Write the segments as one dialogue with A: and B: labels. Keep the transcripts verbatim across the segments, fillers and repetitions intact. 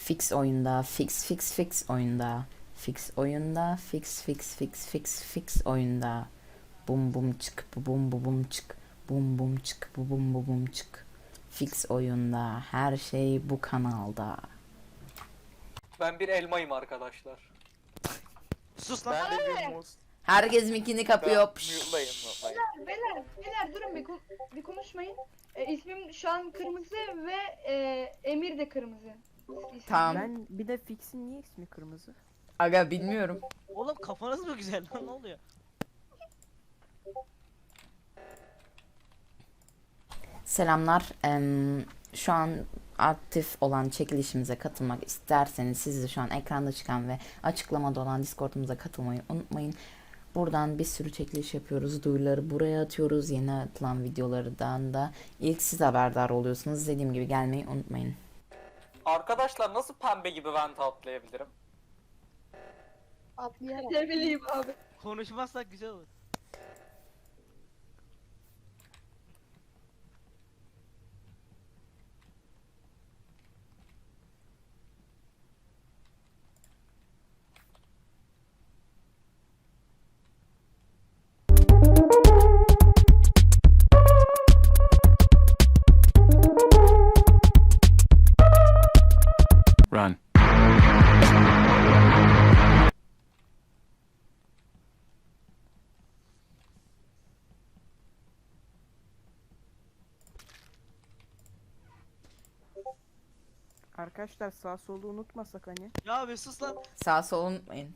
A: Fix oyunda, fix fix fix oyunda. Fix oyunda, fix fix fix fix fix oyunda. Bum bum çık, bu bum bu bum çık. Bum bum çık, bu bum bu bum çık. Fix oyunda, her şey bu kanalda.
B: Ben bir elmayım arkadaşlar.
C: Sus lan.
D: Ben de bir muz.
A: Herkes mikini kapıyor.
D: Mute'layım, mute'layım.
E: Beyler, beyler durun bir, kon- bir konuşmayın. E, ismim şu an kırmızı ve e, Emir de kırmızı. İsmim.
A: Tamam.
F: Ben bir de Fix'in niye ismi kırmızı?
A: Aga bilmiyorum.
C: Oğlum kafanız mı güzel lan, ne oluyor?
A: Selamlar. Em, şu an aktif olan çekilişimize katılmak isterseniz siz de şu an ekranda çıkan ve açıklamada olan Discord'umuza katılmayı unutmayın. Buradan bir sürü çekiliş yapıyoruz. Duyuruları buraya atıyoruz. Yeni atılan videolardan da ilk siz haberdar oluyorsunuz. Dediğim gibi gelmeyi unutmayın.
B: Arkadaşlar nasıl pembe gibi vent atlayabilirim?
E: Atlayarak. Ne bileyim abi.
C: Konuşmazsak güzel olur.
G: Run.
F: Arkadaşlar sağ solu unutmasak hani.
C: Ya be sus lan.
A: Sağ sol unutmayın.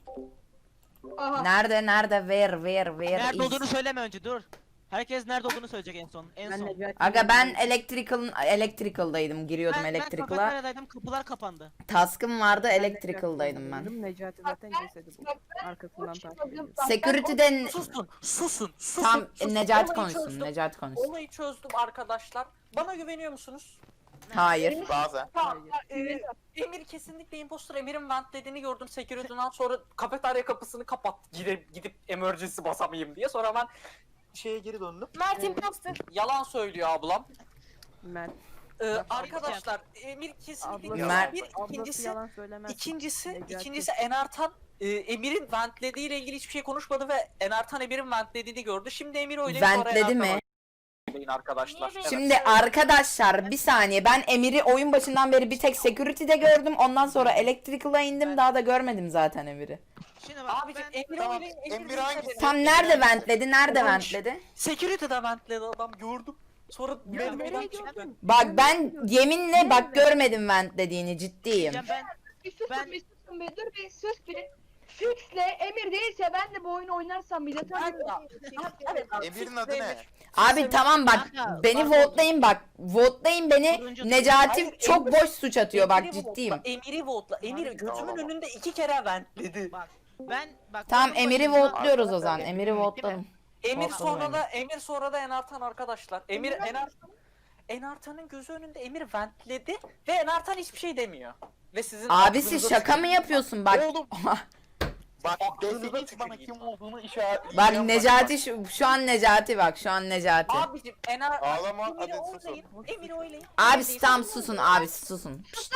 E: Aha.
A: Nerede nerede ver ver ver.
C: Nerede
A: is.
C: olduğunu söyleme önce, dur. Herkes nerede olduğunu söyleyecek en son. En
F: Ben
C: son.
F: Necati
A: Aga ben electrical electrical'daydım. Giriyordum
C: ben, ben
A: electrical'a.
C: kafeteryadaydım, kapılar kapandı.
A: Task'ım vardı, electrical'daydım ben.
F: Necati zaten cesedi bu. Arkasından takip ediyor.
A: Security'den
B: Susun, susun, susun.
A: tam
B: susun.
A: Necati
B: Olayı
A: konuşsun.
B: çözdüm.
A: Necati konuşsun.
B: Olayı çözdüm arkadaşlar. Bana güveniyor musunuz?
A: Hayır.
D: Bazen.
B: Tamam. Ee, Emir kesinlikle impostor. Emir'in ventlediğini gördüm security'den, sonra kafeterya kapısını kapat. Gidip gidip emergency basamayayım diye. Sonra ben şeye geri döndüm. Mert impostor. Yalan söylüyor ablam.
F: Mert.
B: Ee, arkadaşlar Emir kesinlikle
F: Ablası,
A: Mert-
B: bir
F: ablası
B: ikincisi
F: yalan söylemez.
B: ikincisi
F: Necati.
B: ikincisi Enartan e, Emir'in ventlediği ile ilgili hiçbir şey konuşmadı ve Enartan Emir'in ventlediğini gördü. Şimdi Emir oylayıp sonra
A: Ventledi
B: Enartan
A: mi?
B: oylayın arkadaşlar. Evet.
A: Şimdi arkadaşlar bir saniye, ben Emir'i oyun başından beri bir tek security'de gördüm. Ondan sonra electrical'a indim, daha da görmedim zaten Emir'i.
C: Şimdi bak
B: Abicim
C: ben...
B: Emir
D: Tamam,
B: oylayın.
D: Emir
B: değilse
D: hangisi?
B: benim.
A: Tam nerede ventledi? Nerede
B: Orange.
A: ventledi?
B: Security'de ventledi adam, gördüm. Sonra
F: nereye
B: merdivenden çıktı.
F: gördün?
A: Bak ben yeminle bak görmedim ventlediğini, ciddiyim.
C: Ya ben...
E: Bir susun
C: Ben-
E: bir susun bir dur bir sus bir. Fix'le Emir değilse ben de bu oyunu oynarsam bile tabii.
B: Evet, abi,
D: Emir'in adı ne?
A: Abi tamam bak,
C: Kanka,
A: beni
C: bak-
A: votelayın bak. Votelayın beni.
C: Turuncu-
A: Necati
B: Hayır,
A: çok
B: Emir-
A: boş suç atıyor bak,
B: Emir'i
A: ciddiyim.
B: votla, Emir'i votla. Emir
C: Abi,
B: gözümün
D: tamam.
B: önünde iki kere ventledi.
C: Bak ben... Bak
A: Tamam
C: oyunun
A: Emir'i
C: başında-
A: votluyoruz o zaman. Emir'i
C: Değil mi?
A: votlayalım.
B: Emir
A: Votlama
B: sonra
A: Emir.
B: da Emir sonra da Enartan arkadaşlar. Emir Enartan Enartan'ın gözü önünde Emir ventledi ve Enartan hiçbir şey demiyor. Ve sizin
A: Abisi
B: aklınıza
A: şaka mı
B: tüküreyim.
A: yapıyorsun bak.
D: Oğlum. Bak
B: Aklınıza
D: deseniz bana
B: tüküreyim.
D: kim olduğunu işaret.
A: Bak Necati şu, şu an Necati bak, şu an Necati.
B: Abicim Enar
D: Ağlama,
B: Emir'i
D: hadi susun.
B: oylayın. Emir'i oylayın.
A: Abisi tam susun, abisi susun. Pişt.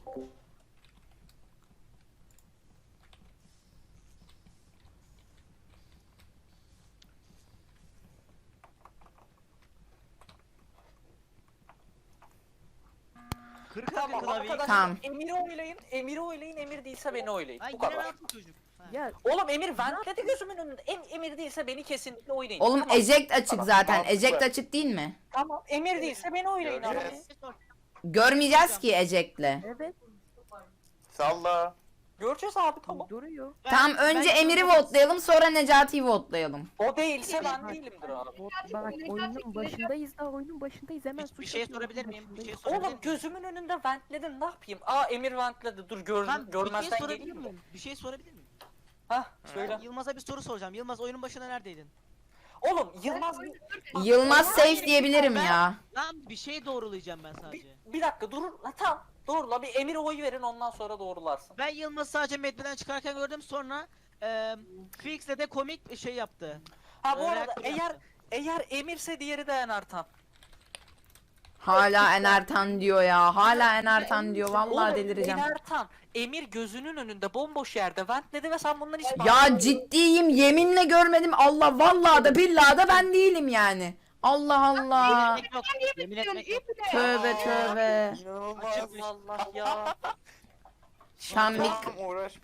C: Kırık
B: Tamam
C: tamam, klavyeyi.
B: arkadaşlar
A: Tamam.
B: Emir'i oylayın. Emir'i oylayın. Emir değilse beni oylayın.
C: Ay
B: Bu
C: yine
B: kadar.
C: ne yaptı çocuk? Ha.
F: Ya
B: Oğlum Emir ventledi gözümün önünde. Em, Emir değilse beni kesinlikle oynayın.
A: Oğlum
B: Tamam.
A: eject açık
D: Tamam,
A: zaten.
D: mantıklı.
A: Eject açık değil mi?
B: Tamam. Emir değilse beni oynayın abi.
D: Göreceğiz.
A: Görmeyeceğiz ki eject'le.
F: evet
D: Salla.
B: Göreceğiz abi, tamam.
F: duruyor.
C: Ben-
A: Tamam önce
C: ben-
A: Emir'i votlayalım, sonra Necati'yi votlayalım.
B: O değilse ben
F: Bak.
B: değilimdir abi.
F: Bot, bak oyunun başındayız daha oyunun başındayız hemen
C: Bir, bir
F: suç
C: şey
F: atıyoruz,
C: sorabilir miyim? Bir şey
F: başındayız.
C: sorabilir
B: Oğlum
C: miyim?
B: gözümün önünde ventledin, ne yapayım? Aa Emir ventledi, dur gör,
C: Tamam, bir şey
B: görmezden
C: sorabilir
B: geleyim mi?
C: miyim? Bir şey sorabilir miyim?
B: Hah söyle.
C: Yılmaz'a bir soru soracağım. Yılmaz oyunun başında neredeydin?
B: Oğlum Yılmaz
A: Yılmaz safe diyebilirim
C: Ben-
A: ya.
C: Lan bir şey doğrulayacağım ben sadece.
B: bir, bir dakika dur. Ha, tamam doğrula, bir Emir'e oy verin, ondan sonra doğrularsın.
C: Ben Yılmaz'ı sadece medbeden çıkarken gördüm, sonra eee Fix'le de komik bir şey yaptı.
B: Ha bu
C: Ee,
B: arada
C: reaktör
B: eğer
C: yaptı.
B: eğer Emir'se diğeri de Enartan.
A: Hala Enertan diyor ya. Hala Enertan diyor. Vallahi
B: Oğlum,
A: delireceğim.
B: Enertan, Emir gözünün önünde bomboş yerde ventledi ve sen bunları hiç
A: Ya ciddiyim. Yeminle görmedim. Allah vallahi da billahi da ben değilim yani. Allah Allah.
C: Yemin etmek yok. Yemin etmek yok.
A: Tövbe tövbe.
D: İnanılmaz.
B: Açık Allah ya.
A: Şambik.
D: Tamam uğraşma.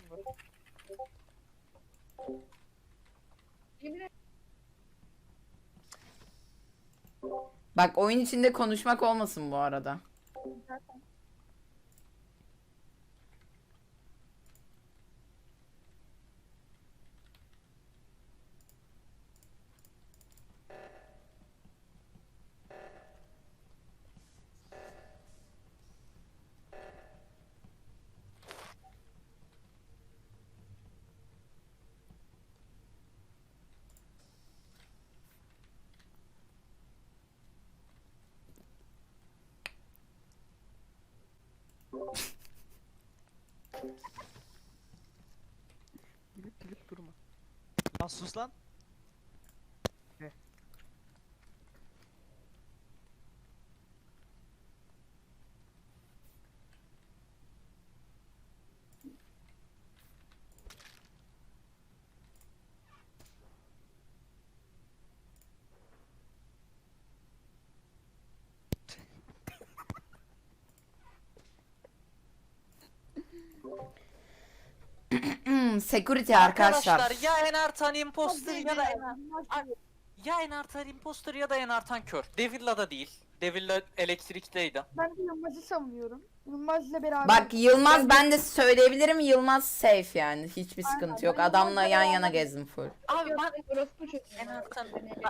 E: Yemin ederim.
A: Bak oyun içinde konuşmak olmasın bu arada.
F: Gülüp gülüp durma.
C: Lan sus lan.
A: Hmm, security arkadaşlar.
B: Arkadaşlar ya Enertan imposter ya da Ay, ya Enertan imposter ya da Enertan kör. Devilla da değil. Devilla elektrikteydi.
G: Ben de Yılmaz'ı savunuyorum. Yılmaz'la beraber.
A: Bak Yılmaz ben de söyleyebilirim. Yılmaz safe yani. Hiçbir
G: Aynen,
A: sıkıntı yok.
G: ben
A: Adamla
G: Yılmaz'la
A: yan yana
G: beraber-
A: gezdim full.
B: Abi ben
E: Orospu çocuğu.
B: Enertan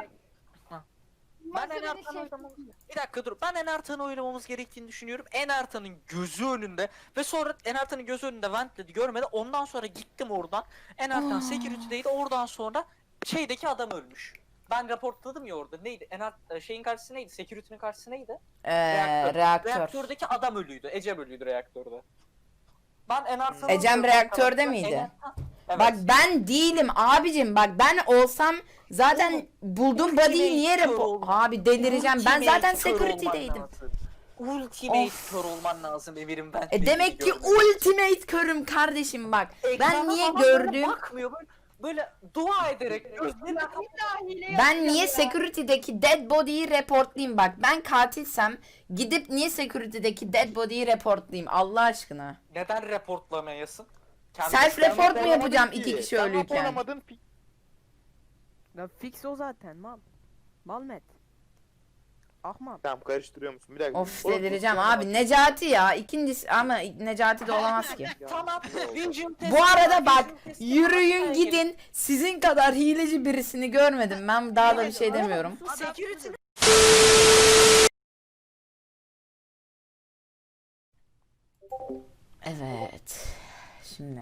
G: Yılmaz'la
B: ben
G: beni
B: Enertan'ı
G: şey-
B: oylamamız... Bir dakika dur. Ben Enertan'ı oylamamız gerektiğini düşünüyorum. Enertan'ın gözü önünde ve sonra Enertan'ın gözü önünde ventledi görmedi. Ondan sonra gittim oradan. Enertan security'deydi. Oradan sonra şeydeki adam ölmüş. Ben raportladım ya orada. Neydi? Ener şeyin karşısı neydi? Security'nin karşısı neydi?
A: Ee,
B: Reaktör.
A: reaktör.
B: Reaktördeki adam ölüydü. Ecem ölüydü reaktörde. Ben Enertan'ı
A: Ecem
B: öldürdüm
A: reaktörde
B: arkadaşlar.
A: miydi?
B: Enertan- Evet.
A: Bak ben değilim abicim. Bak ben olsam zaten buldum
B: Ultimate
A: body'yi niye
B: kör
A: repo...
B: olman-
A: Abi delireceğim. Ben
B: Ultimate
A: zaten
B: kör olman
A: security'deydim.
B: lazım. Ultimate
A: Of.
B: kör olman lazım Emir'im ben.
A: E demek ki ultimate körüm kardeşim bak. Ben niye gördüm?
B: Bakmıyor böyle, böyle dua ederek gözlerini kapat-
E: Bir daha hile
A: Ben
E: yapacağım
A: niye
E: ya.
A: security'deki dead body'yi reportlayayım bak. Ben katilsem gidip niye security'deki dead body'yi reportlayayım Allah aşkına.
B: Neden reportlamayasın? Kendi-
A: Self
D: Sen
A: report mu
D: raporlamadın
A: yapacağım
D: ki.
A: iki kişi
D: Sen
A: ölüyken?
D: raporlamadın.
F: Ya fix o zaten mal. Malmet. Ahmak.
D: Tamam karıştırıyor musun? Bir dakika.
A: Of
D: Oğlum,
A: delireceğim
D: kusura
A: abi. Necati ya. İkincisi ama Necati de olamaz ki.
D: bakma.
B: Tamam. Vision testi
A: Bu arada
B: var,
A: bak
B: vision testi
A: yürüyün
B: var.
A: gidin. Sizin kadar hileci birisini görmedim. Ben daha da bir şey demiyorum.
B: Security
A: Evet. Şimdi.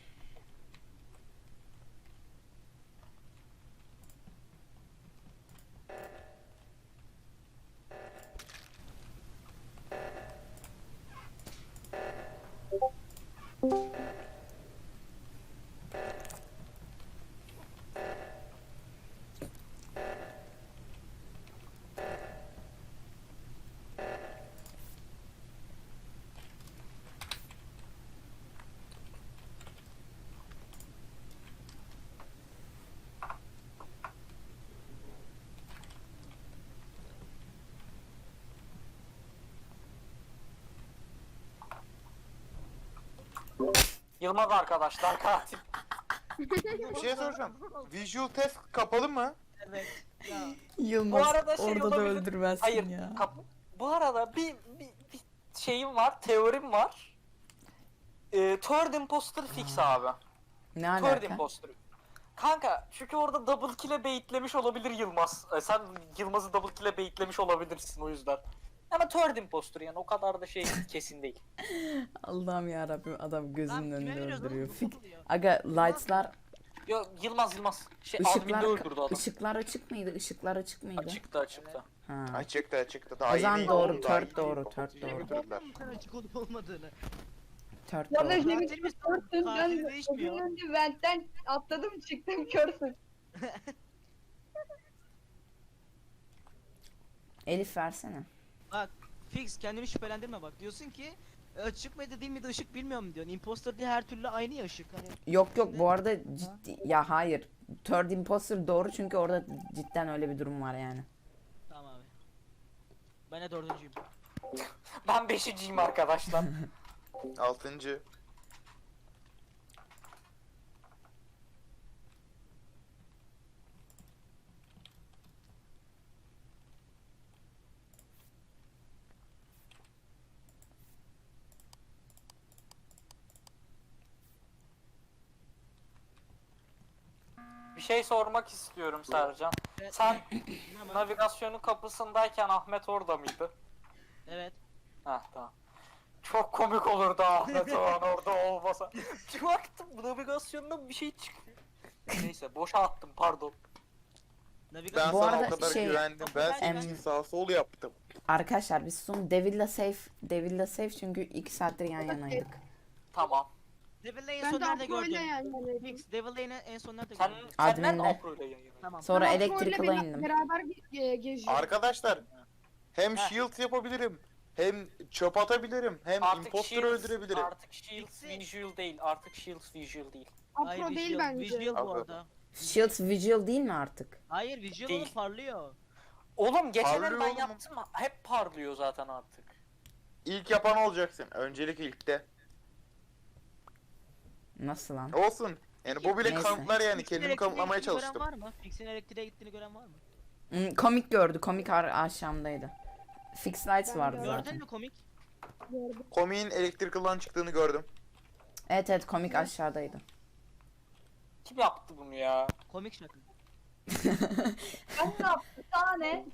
B: Yılmaz arkadaşlar katil.
D: Bir şey soracağım. Visual test kapalı mı?
C: Evet. Ya.
A: Yılmaz
B: Bu arada şey
A: orada da
B: olabilir.
A: öldürmezsin
B: Hayır.
A: ya.
B: kap- Bu arada bir, bir, bir şeyim var, teorim var. Ee, third imposter fix abi.
A: Ne
B: Third
A: alaka?
B: imposter. Kanka çünkü orada double kill'e baitlemiş olabilir Yılmaz. Ee, sen Yılmaz'ı double kill'e baitlemiş olabilirsin o yüzden. Ama third imposter yani o kadar da şey kesin değil.
A: Allah'ım ya Rabbim adam
C: Lan
A: gözünün
C: kime
A: önünde
C: veriyoruz
A: öldürüyor.
C: oğlum?
A: Fik.
C: Bu oluyor.
A: Aga lights'lar,
B: Yo Yılmaz Yılmaz. Şey
A: ışıklar,
B: adminde öldürdü adam.
A: ışıklar açık mıydı? Işıklar açık mıydı?
B: Açıktı açıktı.
A: Ha.
D: Açıktı açıktı. Daha
A: O zaman
D: yeni-
A: doğru,
D: oğlum, daha
A: third
D: yeni
A: doğru,
D: kapatıcıyı
A: third doğru.
D: götürdüler.
C: Bu kadar açık olup olmadığını.
A: Third
E: Ya da
A: doğru.
E: Cemil
C: Katilimiz-
E: körsün.
C: katili
E: Ben
C: değişmiyor.
E: gözümün önünde ventten atladım çıktım körsün.
A: Elif versene.
C: Bak Fix kendini şüphelendirme bak. Diyorsun ki e, açık mıydı değil miydi ışık bilmiyorum diyorsun. Imposter diye her türlü aynı ya ışık. Hani
A: Yok yok, bu arada ciddi ya, hayır. Third imposter doğru, çünkü orada cidden öyle bir durum var yani.
C: tamam abi. Ben de dördüncüyüm.
B: Ben beşinciyim arkadaşlar.
D: Altıncı.
B: Bir şey sormak istiyorum Sercan.
C: Evet.
B: Sen
C: Ama-
B: navigasyonun kapısındayken Ahmet orada mıydı?
C: Evet.
B: Heh tamam. Çok komik olurdu Ahmet o an orada olmasa. Bir baktım navigasyondan bir şey çıkıyor. Neyse boşa attım pardon.
C: Navigasyon.
D: Ben
A: Bu
D: sana
A: arada
D: o kadar
A: şey-
D: güvendim. Ben
C: Em-
D: senin için sağ sol yaptım.
A: Arkadaşlar biz son Devil'la safe, Devil'la safe çünkü iki saattir yan yanaydık.
B: Tamam.
C: Devil en
G: Ben
C: son
G: de
C: nerede
G: Afro ile
C: gördün?
G: yan yanaydım.
C: Fix Devil Lane'i en son nerede
B: Sen,
C: gördün?
B: sen nerede
A: Admin'de.
B: Afro'yla yayınladın?
C: Tamam.
A: Sonra
G: Ben Afro ile
A: Electrical'a
G: bera-
A: indim.
G: Beraber ge- geziyoruz.
D: Arkadaşlar hem
B: Heh.
D: shield yapabilirim. Hem çöp atabilirim. Hem
B: Artık
D: imposter'ı
B: Shields-
D: öldürebilirim.
B: Artık Shields
C: Fix'i-
B: visual değil. Artık Shields visual değil.
C: Hayır,
G: Afro değil
C: visual,
G: bence.
C: Visual bu
D: Afro.
C: arada.
A: Shield Vigil değil mi artık?
C: Hayır visual
B: Değil.
C: oğlum parlıyor.
B: Oğlum geçenleri
D: Parlıyor
B: ben
D: oğlum.
B: yaptım hep parlıyor zaten artık.
D: İlk yapan olacaksın. Öncelik ilkte.
A: Nasıl lan?
D: Olsun. Yani bu bile
A: Neyse.
D: kanıtlar yani.
C: Fix'in
D: Kendimi
C: elektriğe
D: kanıtlamaya
C: gittiğini gören
D: çalıştım.
C: var mı? Fix'in elektriğe gittiğini gören var mı?
A: Hmm, komik gördü. Komik ar aşağımdaydı. Fix lights
G: Ben
A: vardı
G: gördüm.
A: zaten.
C: Gördün mü komik?
G: Gördüm.
D: Komiğin electrical'dan çıktığını gördüm.
A: Evet evet, komik aşağıdaydı.
B: Kim yaptı bunu ya?
C: Komik şaka.
E: Ben ne yaptım? Sana ne?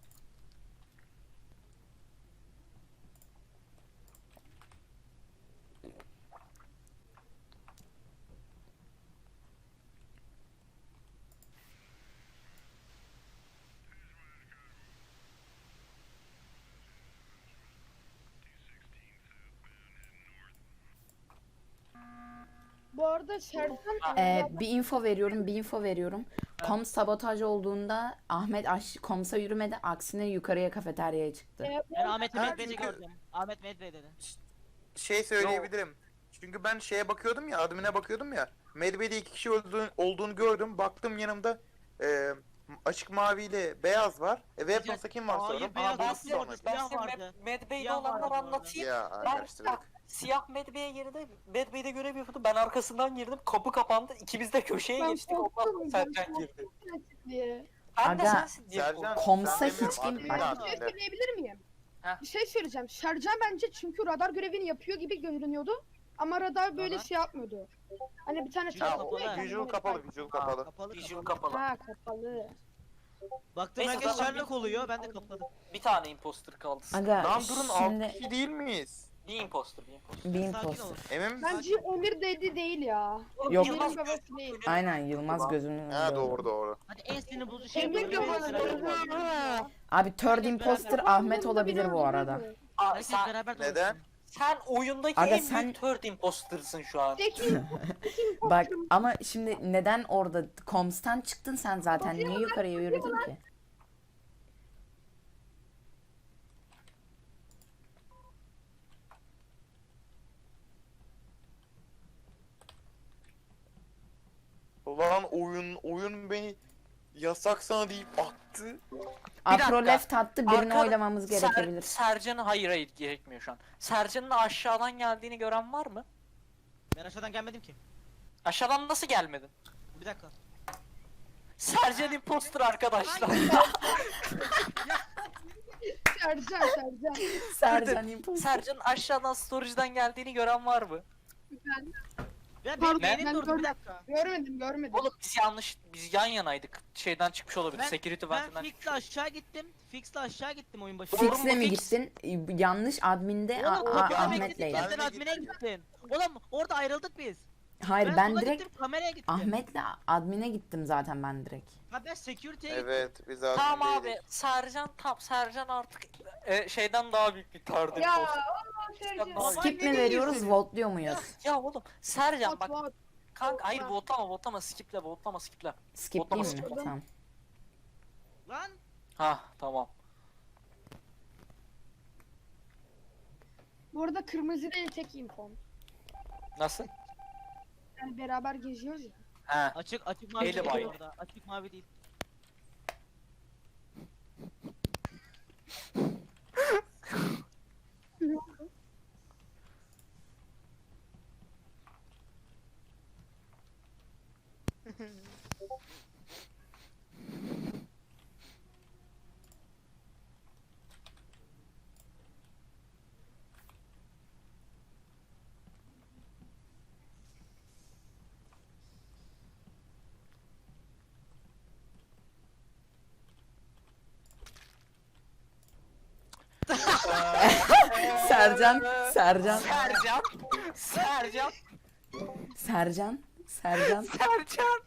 G: Bu arada Sercan
A: Ee, bir info veriyorum, bir info veriyorum. Kom sabotaj olduğunda Ahmet aş komsa yürümedi, aksine yukarıya kafeteryaya çıktı.
G: e,
C: Ben Ahmet'i
D: Ha,
C: Medved'i
D: çünkü-
C: gördüm. Ahmet Medved dedi.
D: Şey söyleyebilirim. Çünkü ben şeye bakıyordum ya, admine bakıyordum ya. Medve'de iki kişi olduğunu, olduğunu gördüm. Baktım yanımda e, açık maviyle beyaz var. E, Weapons'a kim var
C: Hayır,
D: sonra?
C: beyaz
D: Aa,
B: Ben
C: yok,
D: bu
B: size,
C: orada
D: sonraki.
B: ben
C: siyah
B: size
C: vardı.
B: Mad, Mad Bey'de
C: Siyah
B: olanları
C: vardı bu arada.
B: anlatayım.
D: Ya
B: Ben
D: karıştırdık.
B: siyah Mad Bey'e girdi. Mad Bey'de görev yapıyordum. Ben arkasından girdim. Kapı kapandı. İkimiz de köşeye
G: Ben
B: geçtik. Ondan
G: korktum,
B: sonra
G: ben
B: Sercan
G: korktum.
B: girdi.
G: diye.
B: Ben de
A: Aga,
B: sensin diye
D: Sercan,
B: korktum.
A: Komsa
D: sen
A: hiç
D: demiyorum,
A: kim-
D: admin de
G: Bir şey
D: adminde.
G: söyleyebilir miyim?
B: Heh.
G: Bir şey söyleyeceğim. Sercan bence çünkü radar görevini yapıyor gibi görünüyordu. Ama radar böyle
C: Radar?
G: şey yapmıyordu. Hani bir tane
C: Visual
G: çarpı
C: kapalı.
G: oluyor ya,
D: Visual
G: hani
D: kapalı,
G: böyle-
D: visual kapalı.
C: Kapalı
B: Visual
C: kapalı.
B: kapalı.
G: Ha kapalı.
C: Baktım
B: Neyse,
C: herkes
B: tamam.
C: Sherlock oluyor ben de kapadım.
B: Bir tane imposter kaldı.
A: Aga
D: Lan durun, altı
A: şimdi
D: kişi değil miyiz?
B: Bir imposter, bir imposter.
A: bir
C: Sakin
A: imposter.
C: olun.
D: Emin misin?
G: Bence Emir dedi değil ya.
A: Yok.
G: Emir'in babası değil.
A: Aynen, Yılmaz gözünün
D: Ha
A: önünde
D: doğru
A: oldu.
D: doğru.
C: Hadi en sinir bozucu şey
G: Emir
C: yapalım.
G: babası
C: Herkes beraber-
A: Abi third
C: Herkes
A: imposter
C: beraber-
A: Ahmet olabilir bu arada.
B: Aa,
C: Herkes
B: sen,
C: beraber
D: Neden?
C: dolaşsın.
B: sen oyundaki
A: Aga,
B: en
A: sen-
B: büyük third imposter'sın şu an.
G: Peki
A: Bak ama şimdi neden orada komstan çıktın sen zaten? Niye yukarıya yürüdün ki?
D: Lan oyun oyun beni yasak sana deyip attı.
A: Afro
B: dakika.
A: left attı, birini
B: Arka-
A: oylamamız
B: Ser-
A: gerekebilir.
B: Sercan'ı hayır hayır gerekmiyor şu an. Sercan'ın aşağıdan geldiğini gören var mı?
C: Ben aşağıdan gelmedim ki.
B: Aşağıdan nasıl gelmedin?
C: Bir dakika.
B: Sercan imposter arkadaşlar.
G: Sercan Sercan.
A: Sercan imposter.
B: Sercan'ın aşağıdan storage'dan geldiğini gören var mı?
C: Ya
G: Pardon,
C: benim beynim
G: ben
C: durdu bir
G: gördüm.
C: dakika.
G: Görmedim görmedim.
B: Oğlum biz yanlış, biz yan yanaydık. Şeyden çıkmış olabilir.
C: Ben,
B: Security
C: ben
B: venti'den
C: Fix'le
B: çıkmış.
C: aşağı gittim. Fix'le aşağı gittim oyun başında.
B: Doğru mu
A: Fix'le mi
B: Fix?
A: gittin? Yanlış adminde A-
C: Oğlum
A: A-
C: kapıda
A: Ahmet'leydi.
C: bekledik
D: Ben
C: ya sen
D: de
C: admine gittin. Oğlum orada ayrıldık biz.
A: Hayır ben
C: sola
A: direkt
C: gittim kameraya gittim.
A: Ahmet'le admine gittim zaten ben direkt.
C: Ha ben security'ye gittim.
D: Evet biz
B: Tamam
D: admindeydik.
B: abi. Sercan tam Sercan artık e, şeyden daha büyük bir third
E: Ya
B: imposter.
E: Allah Sercan.
B: Baba,
A: Skip
C: ne
A: mi veriyoruz,
C: diyorsun?
A: voltluyor muyuz?
B: Ya oğlum Sercan
G: Bot,
B: bak
G: bot.
B: kanka hayır
G: Bot.
B: votlama votlama skiple votlama skiple.
A: Skip değil mi?
B: Votlama,
A: Tamam.
C: Lan
B: Ha tamam.
G: Bu arada kırmızı değil tek infom.
B: Nasıl?
G: Yani beraber geziyoruz ya.
B: Ha.
C: Açık açık mavi
B: Eli
C: değil
B: bay.
C: orada. Açık mavi değil.
A: Sercan, Sercan,
B: Sercan. Sercan.
A: Sercan, Sercan.
B: Sercan.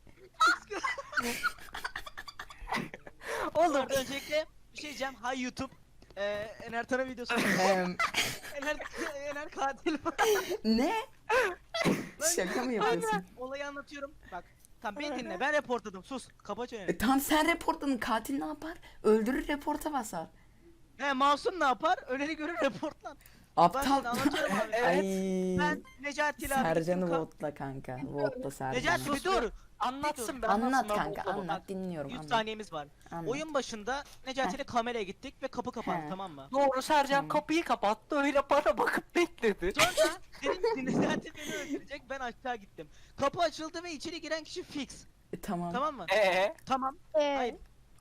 C: Oğlum öncelikle bir şey diyeceğim. Hay YouTube. Ee, Ener Tan'a videosu.
A: Em,
C: Ener, Ener katil.
A: ne? Şaka mı yapıyorsun?
C: Olayı anlatıyorum. Bak. Tamam beni dinle. Ben reportladım. Sus. Kapa çeneni.
A: E, tam sen reportladın. Katil ne yapar? Öldürür, reporta basar.
C: He masum ne yapar? Öneri görür reportlar.
A: Aptal.
C: Ben şimdi anlatıyorum abi.
A: Ay.
C: Ben Necati ile abi.
A: Sercan'ı
C: gittim ka-
A: votla kanka. Votla Sercan'ı.
C: Necati bir dur.
B: Anlatsın ben
A: Anlat
B: anlatsın, ben
A: kanka,
B: mutlu oldum.
A: anlat. Dinliyorum.
C: yüz
A: Anlat.
C: saniyemiz var.
A: anlat.
C: Oyun başında Necati ile kameraya gittik ve kapı kapandı
A: He.
C: tamam mı?
B: Doğru, Sercan
A: Tamam.
B: kapıyı kapattı, öyle bana bakıp bekledi.
C: Sonra dedim ki Necati beni öldürecek, ben aşağı gittim. Kapı açıldı ve içeri giren kişi fix.
A: E, tamam.
C: Tamam mı?
B: Ee,
C: Tamam.
G: Ee,
C: Hayır.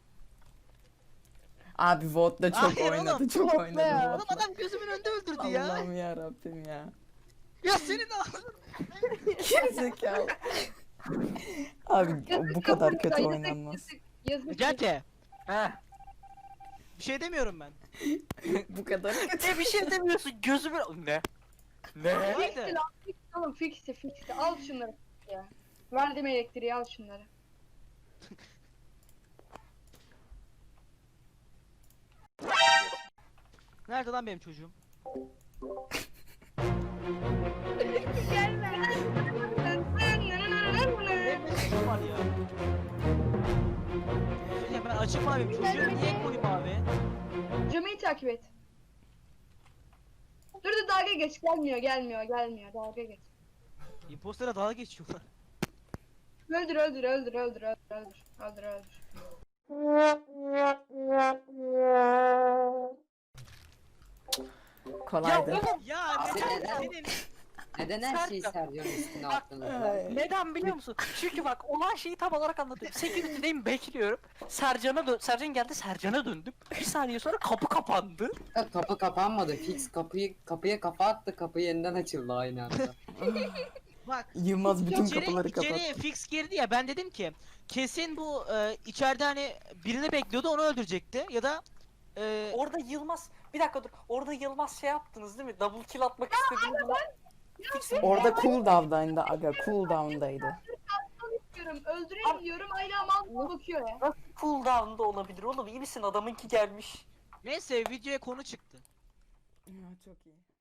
A: Abi votla çok
C: Hayır oğlum,
A: oynadı. Çok
G: votla
A: oynadı.
G: ya.
C: Oğlum
A: Votla.
C: adam gözümün önünde öldürdü ya.
A: Allah'ım ya Rabbim ya.
C: Ya senin ağzın.
A: Gerizekalı. Abi
E: Yazık
A: bu kadar
E: yazık,
A: kötü
E: yazık,
A: oynanmaz.
E: yazık, yazık.
C: Necati.
B: heh.
C: Bir şey demiyorum ben.
A: Bu kadar kötü.
B: Ne bir şey demiyorsun, gözümün... Ne? Ne?
C: Haydi.
E: Fixti lan, fixti oğlum, fixti, fixti. Al şunları ya. Verdim elektriği, al şunları.
C: Nerede lan benim çocuğum?
E: Gelme.
C: Benim çocuğum var ya. Ya ben açık maviyim. Çocuğum niye koyu mavi?
E: Camiyi takip et. Dur dur, dalga geç, gelmiyor, gelmiyor, gelmiyor, dalga geç.
C: Impostlara dalga geçiyorlar.
E: Öldür, öldür, öldür, öldür, öldür, öldür, öldür, öldür.
A: Kolaydı.
C: Ya neden senin...
H: Neden her şeyi
B: Serkan.
H: Sercan'ın üstüne
B: Bak,
H: attınız?
A: Ay.
B: Neden biliyor musun? Çünkü bak olan şeyi tam olarak anlatıyorum. Security'deyim, bekliyorum. Sercan'a dön Sercan geldi, Sercan'a döndüm. Bir saniye sonra kapı kapandı.
H: Ya, kapı kapanmadı. Fix kapıyı kapıya kafa attı. Kapı yeniden açıldı aynı anda.
C: Bak.
A: Yılmaz bütün
C: İçeri,
A: kapıları kapattı.
C: içeriye fix girdi ya ben dedim ki kesin bu e, içeride hani birini bekliyordu onu öldürecekti ya da e,
B: Orada Yılmaz, bir dakika dur. Orada Yılmaz şey yaptınız değil mi? Double kill atmak istediğinde.
A: Orada cooldown'daydı aga. Cooldown'daydı.
E: Diyorum, öldüreyim diyorum, hala mal bakıyor ya.
B: Nasıl cooldown'da olabilir oğlum? İyi misin? Adamınki gelmiş.
C: neyse videoya konu çıktı.
A: Ya, çok iyi.